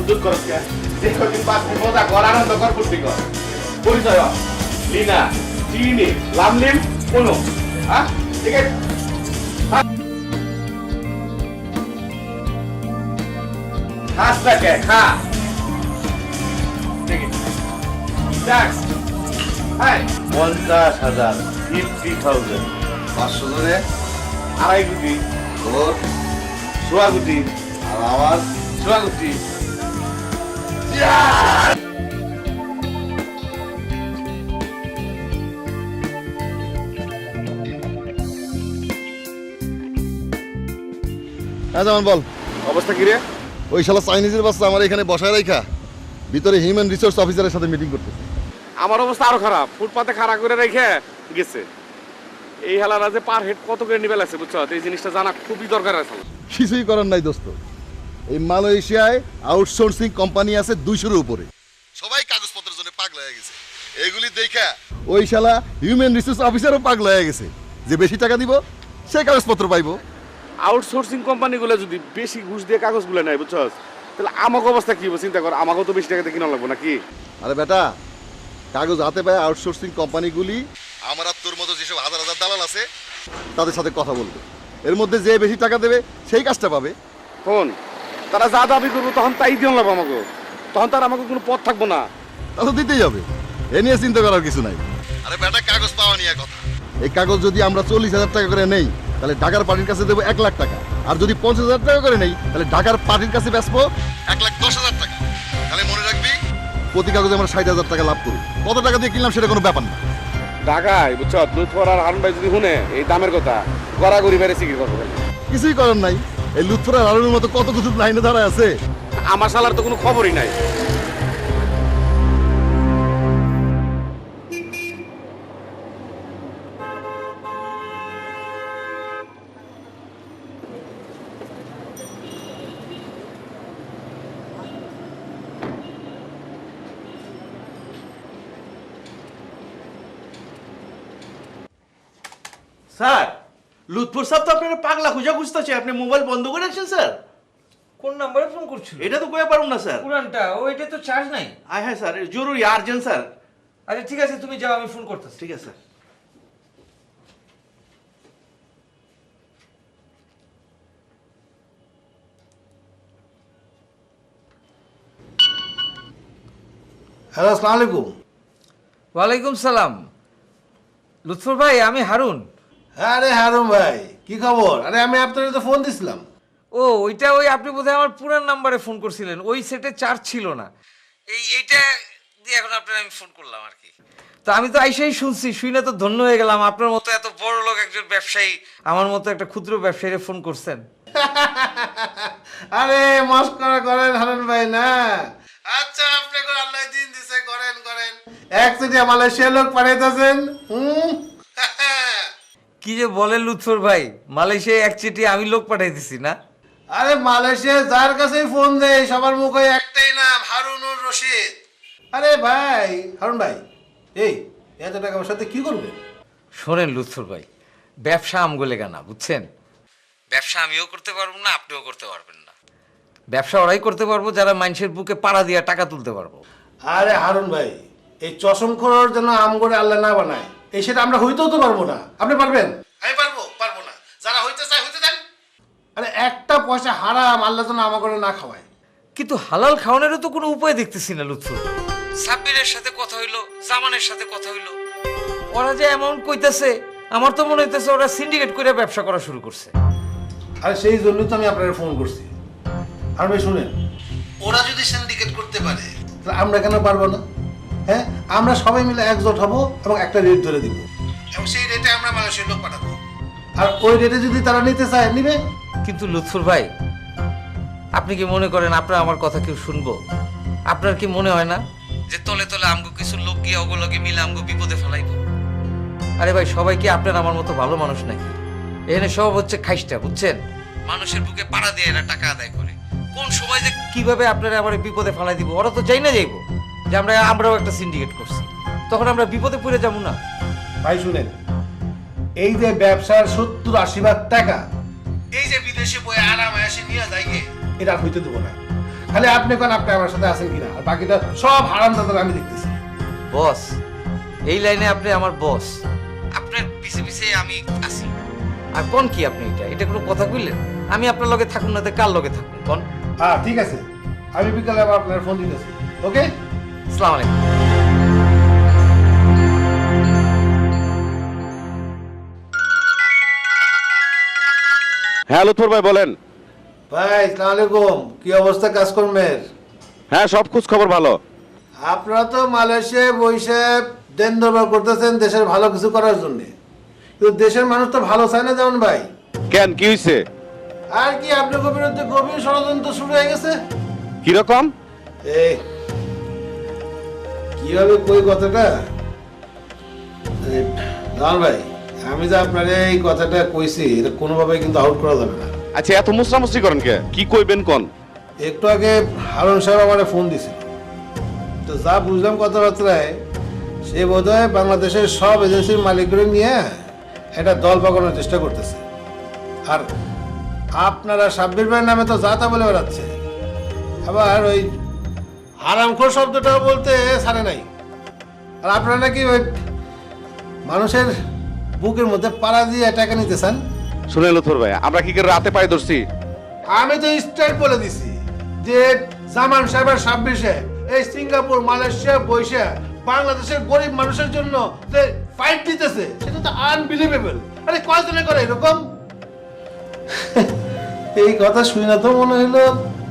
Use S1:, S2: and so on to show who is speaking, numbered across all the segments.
S1: দুধ করস কে যে কদিন বাঁচবি মজা কর আনন্দ কর ফুর্তি কর পরিচয় হ। লিনা চিনি লামলিম কোনো হ্যাঁ ঠিক আছে খাস না কে খা ঠিক আছে ট্যাক্স হাই 50,000 50,000
S2: 500 জনে
S1: আড়াই কোটি
S2: তোর
S1: সোয়া কোটি
S2: আর আমার
S1: সোয়া কোটি
S2: হ্যাঁ যেমন বল
S1: অবস্থা কি রে
S2: ওই শালা চাইনিজের বাচ্চা আমার এখানে বসায় রাখা ভিতরে হিউম্যান রিসোর্স অফিসারের সাথে মিটিং করতেছে।
S1: আমার অবস্থা আরো খারাপ ফুটপাতে খাড়া করে রেখে গেছে এই হালারা যে পার হেড কত করে নিবে লাগছে বুঝছো এই জিনিসটা জানা খুবই দরকার আছে
S2: কিছুই করার নাই দোস্ত, এই মালয়েশিয়ায় আউটসোর্সিং কোম্পানি আছে 200-এর উপরে, সবাই কাগজপত্রের জন্য পাগল হয়ে গেছে। এগুলি দেখা ওই শালা হিউম্যান রিসোর্স অফিসারও পাগল হয়ে গেছে যে বেশি টাকা দিব সে কাগজপত্র পাইবো।
S1: আউটসোর্সিং কোম্পানিগুলো যদি বেশি ঘুষ দিয়ে কাগজগুলো নেয় বুঝছো তাহলে আমাকে অবস্থা কি হবে চিন্তা কর আমাকেও তো বেশি টাকাতে কিনা লাগবো নাকি
S2: আরে বেটা, কাগজ হাতে পায় আউটসোর্সিং কোম্পানিগুলি আমার আর তোর মতো যেসব হাজার হাজার দালাল আছে তাদের সাথে কথা বলবে, এর মধ্যে যে বেশি টাকা দেবে সেই কাজটা পাবে।
S1: ফোন তারা যা দাবি করবো তখন তাই দিয়ে লাগবো আমাকে, তখন তার আমাকে কোনো পথ থাকবো না।
S2: তা তো দিতেই হবে, এ নিয়ে চিন্তা করার কিছু নাই। আরে বেটা, কাগজ পাওয়া নিয়ে কথা, এই কাগজ যদি আমরা 40,000 টাকা করে নেই তাহলে ঢাকার পার্টির কাছে দেবো 1 লাখ টাকা, আর যদি 50,000 টাকা করে নেই তাহলে ঢাকার পার্টির কাছে বেচবো 1,10,000 টাকা। তাহলে মনে রাখবি প্রতি কাগজে আমরা 60,000 টাকা লাভ করি। কত টাকা দিয়ে কিনলাম সেটা কোনো ব্যাপার না।
S1: ঢাকায় বুঝছো লুৎফর আর হারুন ভাই যদি শুনে এই দামের কথা গড়াগড়ি বেড়ে সিকির করবো।
S2: কিছুই করার নাই, এই লুৎফরের হারুনের মতো কত কিছু লাইনে দাঁড়ায় আছে।
S1: আমার শালার তো কোনো খবরই নাই।
S3: স্যার, লুৎফর সাহেব তো আপনার পাগলা খুঁজা খুঁজতেছে, আপনি মোবাইল বন্ধ করে রাখছেন স্যার।
S4: কোন নাম্বারে ফোন করছিল?
S3: এটা তো কয়ে পারুন না স্যার।
S4: পুরানটা, ও এটা তো চার্জ নাই।
S3: হ্যাঁ স্যার, জরুরি আর্জেন্ট স্যার।
S4: আচ্ছা ঠিক আছে, তুমি যাও, আমি ফোন করতেছি।
S3: ঠিক আছে স্যার।
S5: হ্যালো, আসসালামু আলাইকুম।
S4: ওয়ালাইকুম সালাম। লুৎফর ভাই, আমি হারুন।
S5: আরে হারুন ভাই, কি খবর? আরে আমি আপনার তো ফোন দিছিলাম।
S4: ও ওইটা ওই আপনি বোধহয় আমার পুরান নাম্বারে ফোন করছিলেন, ওই সেটে চার্জ ছিল না, এইটা দিয়ে এখন আপনার আমি ফোন করলাম আর কি। তো আমি তো আইসাই শুনছি, শুনে তো ধন্য হয়ে গেলাম, আপনার মতো এত বড় লোক একজন ব্যবসায়ী আমার মতো একটা ক্ষুদ্র ব্যবসায়ীরে ফোন করছেন।
S5: আরে মস্করা করেন হারুন ভাই না। আচ্ছা, আপনি করে আল্লাহ দিন দিছে, করেন করেন। এক চিঠি মালয়েশিয়া লোক পাঠাইতেছেন।
S4: কি যে বলেন লুৎফর ভাই, মালয়েশিয়ায় এক চিঠি আমি লোক পাঠাই দিছি না?
S5: আরে মালয়েশিয়া যার কাছেই ফোন দেয় সবার মুখে একটাই নাম, হারুনুর রশিদ। আরে ভাই হারুন ভাই, এই এত টাকা আমার সাথে কি করবে?
S4: শোনেন লুৎফর ভাই, ব্যবসা আমগোলে গানা, বুঝছেন? ব্যবসা আমিও করতে পারবো না, আপনিও করতে পারবেন না। ব্যবসা ওরাই করতে পারবো যারা মানুষের বুকে পাড়া দিয়ে টাকা তুলতে পারবো।
S5: আরে হারুন ভাই, এই চশম খোরার জন্য আম করে আল্লাহ না বানায়, এই সেটা আমরা হইতেও তো পারবো না। আপনি পারবেন? আমি পারবো না। যারা হইতে চায় হইতে দেন। আরে একটা পয়সা হারাম আল্লাহ যেন আমা করে না খাওয়ায়।
S4: কিন্তু হালাল খাওয়ানোরও তো কোনো উপায় দেখতেছি না লুৎফর ভাই। সাব্বিরের সাথে কথা হইলো, জামানের সাথে কথা হইলো, ওরা যে অ্যামাউন্ট কইতাছে, আমার তো মনে হইতেছে ওরা সিন্ডিকেট করে ব্যবসা করা শুরু করছে।
S5: আর সেই জন্যই তো আমি আপনাকে ফোন করছি। আর ভাই শুনেন, ওরা যদি সিন্ডিকেট করতে পারে তাহলে আমরা কেন পারবো না? হ্যাঁ, আমরা সবাই মিলে একজোট হব এবং একটা রেট ধরে দিব, এবং সেই রেটে আমরা মানুষের লোক পাঠাবো। আর ওই রেটে যদি তারা নিতে চায় নিবে।
S4: কিন্তু লুৎফর ভাই, আপনি কি মনে করেন আপনার আমার কথা কেউ শুনবো? আপনার কি মনে হয় না যে তলে তলে আমগো কিছু লোক গিয়ে ওগুলোকে মিলে আমগো বিপদে ফেলাইব? আরে ভাই, সবাই কি আপনার আমার মতো ভালো মানুষ নাকি? এখানে সব হচ্ছে খাইস্টা, বুঝছেন? মানুষের বুকে পাড়া দিয়ে এরা টাকা আদায় করে। কোন সময় যে কিভাবে আপনারা আমার বিপদে ফেলাই দিব ওরা তো চাই না যাইব যে আমরাও একটা সিন্ডিকেট করছি, তখন আমরা বিপদে পড়ে যাবো না?
S5: ভাই শুনেন, এই যে ব্যবসার 70-80 ভাগ টাকা এই যে বিদেশে বই আরাম এসে নিয়ে যায়, এটা আর হইতে দেবো না। খালি আপনি কোন আপনি আমার সাথে আছেন কিনা, আর বাকিটা সব হারাম দাদা আমি দেখতেছি।
S4: বস, এই লাইনে আপনি আমার বস, আপনার পিছে পিছে আমি আছি। আর কোন কি আপনি এটা কোনো কথা কইলেন? আমি আপনার লগে থাকুন না তো কার লগে থাকুন কোন?
S5: হ্যাঁ ঠিক আছে, আমি বিকালে আবার আপনার ফোন দিতেছি। ওকে,
S4: আসসালামু আলাইকুম।
S1: হ্যাঁ লুৎফর ভাই বলেন।
S5: ভাই আসসালামু আলাইকুম, কি অবস্থা কাজকর্মের?
S1: হ্যাঁ সব খোঁজ খবর ভালো।
S5: আপনারা তো মালয়েশিয়ায় বসে দেন দরবার করতেছেন দেশের ভালো কিছু করার জন্য, কিন্তু দেশের মানুষ তো ভালো চায় না যেমন ভাই।
S1: কেন কি হয়েছে?
S5: আর কি আপনার বিরুদ্ধে গভীর ষড়যন্ত্র শুরু হয়ে গেছে।
S1: কিরকম?
S5: এই কিভাবে কই কথাটা, জান ভাই, আমি যে আপনার এই কথাটা কইছি এটা কোনোভাবে কিন্তু আউট করা যাবে না।
S1: আচ্ছা এত মুসরামুসরি করেন কে? কি কইবেন কোন?
S5: একটু আগে হারুন সাহেব আমার ফোন দিছিল, তো যা বুঝলাম কথাবার্তায় সে বোধহয় বাংলাদেশের সব এজেন্সির মালিকগুলো নিয়ে একটা দল পাকানোর চেষ্টা করতেছে। আর আপনারা সাব্বির ভাইয়ের নামে তো যা তা বলে বেড়াচ্ছে, আবার ওই হারামখোর শব্দটাও বলতে ছাড়ে নাই। আর আপনারা নাকি ওই মানুষের বুকের মধ্যে পাড়া দিয়ে টাকা নিতে চান।
S1: শুনে লুৎফর ভাই, আমরা কি করে রাতে পায়ে ধরছি?
S5: আমি তো স্ট্রেট বলে দিছি যে জামান সাহেবের 26-এ এই সিঙ্গাপুর মালয়েশিয়া বৈশা বাংলাদেশের গরিব মানুষের জন্য যে ফাইট দিতেছে সেটা তো আনবিলিভেবল। আরে কয়জনে করে এরকম? এই কথা শুনে না তো মনে হইলো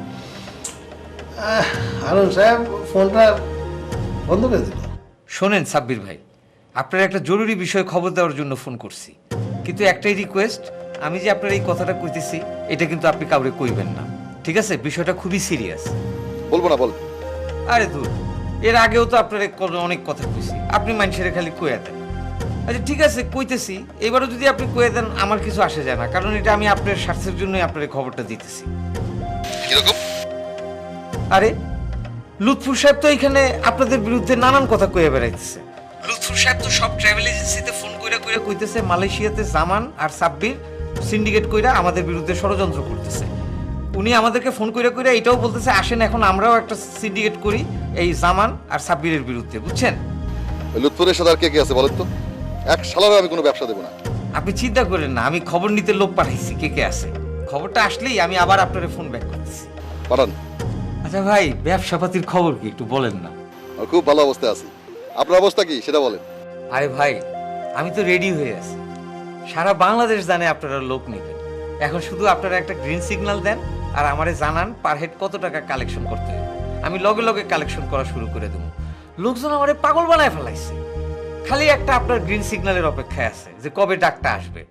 S5: হারুন সাহেব ফোনটা বন্ধ করে দিল।
S4: শোনেন সাব্বির ভাই, আপনার একটা জরুরি বিষয়ে খবর দেওয়ার জন্য ফোন করছি, কিন্তু একটাই রিকোয়েস্ট, আমি যে আপনার এই কথাটা কইতেছি এটা কিন্তু আপনি কাউরে কইবেন না, ঠিক আছে? বিষয়টা খুবই সিরিয়াস।
S2: বলবো না, বল।
S4: আরে দূর, এর আগেও তো আপনার অনেক কথা কইছি, আপনি মানুষের খালি কইয়া দেন। আচ্ছা ঠিক আছে কইতেছি, এবারও যদি আপনি কইয়া দেন আমার কিছু আসে যায় না, কারণ এটা আমি আপনার স্বার্থের জন্যই আপনার এই খবরটা দিতেছি।
S2: কিরকম?
S4: আরে লুৎফুর সাহেব তো এখানে আপনাদের বিরুদ্ধে নানান কথা কইয়া বেড়াইতেছে। লুৎফুর সাহেব তো সব ট্রাভেল এজেন্সিতে ফোন কইরা কইরা কইতেছে মালয়েশিয়াতে জামান আর সাব্বির সিন্ডিকেট কইরা আমাদের বিরুদ্ধে ষড়যন্ত্র করতেছে। উনি আমাদেরকে ফোন কইরা কইরা এটাও বলতেছে আসেন এখন আমরাও একটা সিন্ডিকেট করি এই জামান আর সাব্বিরের বিরুদ্ধে, বুঝছেন?
S2: লুৎফরের সাথে আর কে কে আছে বলেন তো? এক শালারও আমি কোনো ব্যবসা দেবো না।
S4: আপনি চিন্তা করেন না, আমি খবর নিতে লোক পাঠাইছি কে কে আছে। খবরটা আসলেই আমি আবার আপনার ফোন ব্যাক করতেছি।
S2: পাঠান।
S4: আচ্ছা ভাই, ব্যবসাপাতির খবর কি একটু বলেন না?
S2: আমি খুব ভালো অবস্থায় আছি। আপনার অবস্থা কি সেটা বলেন।
S4: আরে ভাই, আমি তো রেডি হয়ে আছি, সারা বাংলাদেশ জানে আপনারা লোক নেবেন। এখন শুধু আপনারা একটা গ্রিন সিগন্যাল দেন আর আমারে জানান পার হেড কত টাকা কালেকশন করতে হবে, আমি লগে লগে কালেকশন করা শুরু করে দেবো। লোকজন আমারে পাগল বানায় ফেলাইছে, খালি একটা আপনার গ্রিন সিগন্যালের অপেক্ষায় আছে যে কবে ডাকটা আসবে।